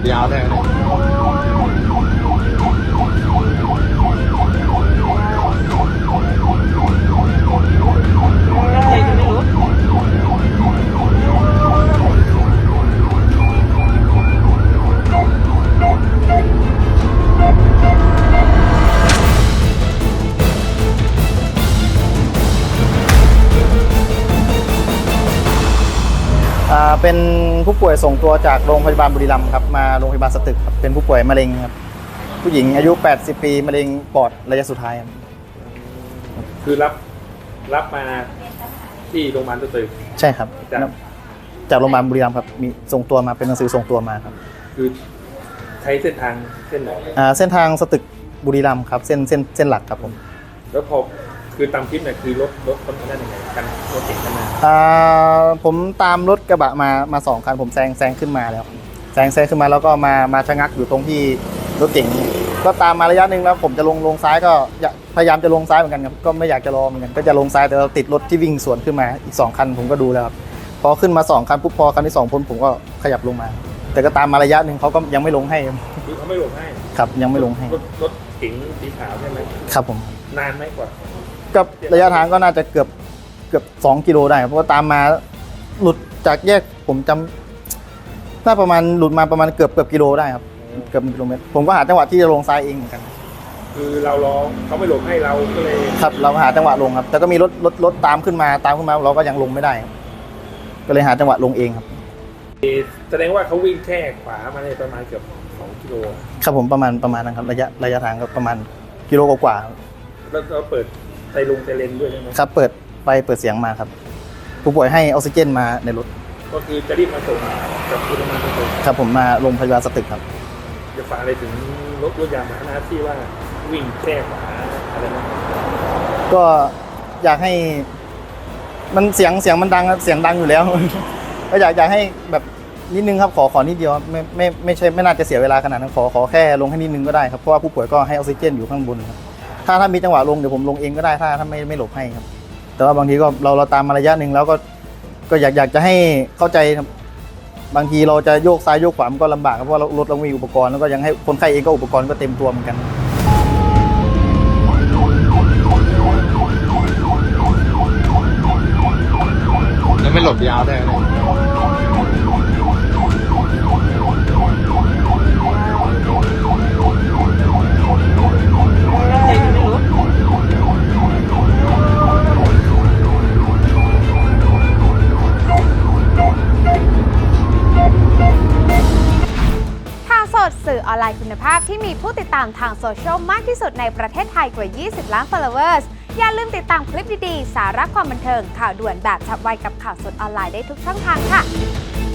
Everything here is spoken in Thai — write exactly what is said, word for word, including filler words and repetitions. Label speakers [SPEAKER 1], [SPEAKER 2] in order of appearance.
[SPEAKER 1] ยาวได้
[SPEAKER 2] เป็นผู้ป่วยส่งตัวจากโรงพยาบาลบุรีรัมย์ครับมาโรงพยาบาลสตึกครับเป็นผู้ป่วยมะเร็งครับผู้หญิงอายุแปดสิบปีมะเร็งปอดระยะสุดท้ายครับ
[SPEAKER 1] คือรับรับมาที่โรงพยาบาลสตึก
[SPEAKER 2] ใช่ครับจากจากโรงพยาบาลบุรีรัมย์ครับมีส่งตัวมาเป็นหนังสือส่งตัวมาครับ
[SPEAKER 1] คือใช้เส้นทางเส้นไหน
[SPEAKER 2] อ่าเส้นทางสตึกบุรีรัมย์ครับเส้นเส้นเส้นหลักครับผม
[SPEAKER 1] แล้วพอคือตามคลิปเนี่ยคือรถรถคนนั้นยังไงกันรถเก๋งกันมา
[SPEAKER 2] อ่าผมตามรถกระบะมามาสองคันผมแซงแซงขึ้นมาแล้วแซงแซงขึ้นมาแล้วก็มามาชะงักอยู่ตรงที่รถเก๋งก็ตามมาระยะหนึ่งแล้วผมจะลงลงซ้ายก็พยายามจะลงซ้ายเหมือนกันครับก็ไม่อยากจะรอเหมือนกันก็จะลงซ้ายแต่เราติดรถที่วิ่งสวนขึ้นมาอีกสองคันผมก็ดูแล้วครับพอขึ้นมาสองคันปุ๊บพอคันที่สองพ้นผมก็ขยับลงมาแต่ก็ตามมาระยะหนึ่งเขาก็ยังไม่ลงให้
[SPEAKER 1] คือเขาไม่ลงให้
[SPEAKER 2] ครับยังไม่ลงให้
[SPEAKER 1] รถรถเก๋งสีขาวใช่ไหม
[SPEAKER 2] ครับผม
[SPEAKER 1] นานไหมกว่า
[SPEAKER 2] กับระยะทางก็น่าจะเกือบเกือบสองกิโลได้เพราะว่าตามมาหลุดจากแยกผมจำน่าประมาณหลุดมาประมาณเกือบเกือบกิโลได้ครับเกือบกิโลเมตรผมก็หาจังหวะที่จะลงซ้ายเองเหมือนกัน
[SPEAKER 1] คือเราร้องเขาไม่ลงให้เราก็เลย
[SPEAKER 2] ครับเราหาจังหวะลงครับแต่ก็มีรถรถรถตามขึ้นมาตามขึ้นมาเราก็ยังลงไม่ได้ก็เลยหาจังหวะลงเองครับ
[SPEAKER 1] แสดงว่าเขาวิ่งแค่ขวามาในประมาณเกือบสองกิโล
[SPEAKER 2] ครับผมประมาณประมาณนั้นครับระยะระยะทางก็ประมาณกิโลกว่า
[SPEAKER 1] แล้วเราเปิดไซลงไซเรนด้วยใช่ไหม
[SPEAKER 2] ครับเปิดไฟเปิดเสียงมาครับผู้ป่วยให้ออกซิเจนมาในรถ
[SPEAKER 1] ก็คือจะรีบมาส่งกับคุณมาส่ง
[SPEAKER 2] ครับผมมาโรงพยาบาลสตึกครับ
[SPEAKER 1] จะฝากอะไรถึงรถรถยามหาที่ว่าวิ่งแค่ขวาอะไรนะ
[SPEAKER 2] ก็อยากให้มันเสียงเสียงมันดังเสียงดังอยู่แล้วก็อยากอยากให้แบบนิดนึงครับขอขอนิดเดียวไม่ไม่ไม่ใช่ไม่น่าจะเสียเวลาขนาดนั้นขอขอแค่ลงให้นิดนึงก็ได้ครับเพราะว่าผู้ป่วยก็ให้ออกซิเจนอยู่ข้างบนครับถ้าถ้ามีจังหวะลงเดี๋ยวผมลงเองก็ได้ถ้าถ้าไม่ไม่หลบให้ครับแต่ว่าบางทีก็เราเราตามมาระยะหนึ่งแล้วก็ก็อยากอยากจะให้เข้าใจครับบางทีเราจะโยกซ้ายโยกขวามันก็ลำบากเพราะว่ารถเรามีอุปกรณ์แล้วก็ยังให้คนไข้เองก็อุปกรณ์ก็เต็มตัวเหมือนกัน
[SPEAKER 1] แล้วไม่หลบยาวได้เลย
[SPEAKER 3] สื่อออนไลน์คุณภาพที่มีผู้ติดตามทางโซเชียลมากที่สุดในประเทศไทยกว่ายี่สิบล้าน followers อย่าลืมติดตามคลิปดีๆสาระความบันเทิงข่าวด่วนแบบฉับไวกับข่าวสดออนไลน์ได้ทุกช่องทางค่ะ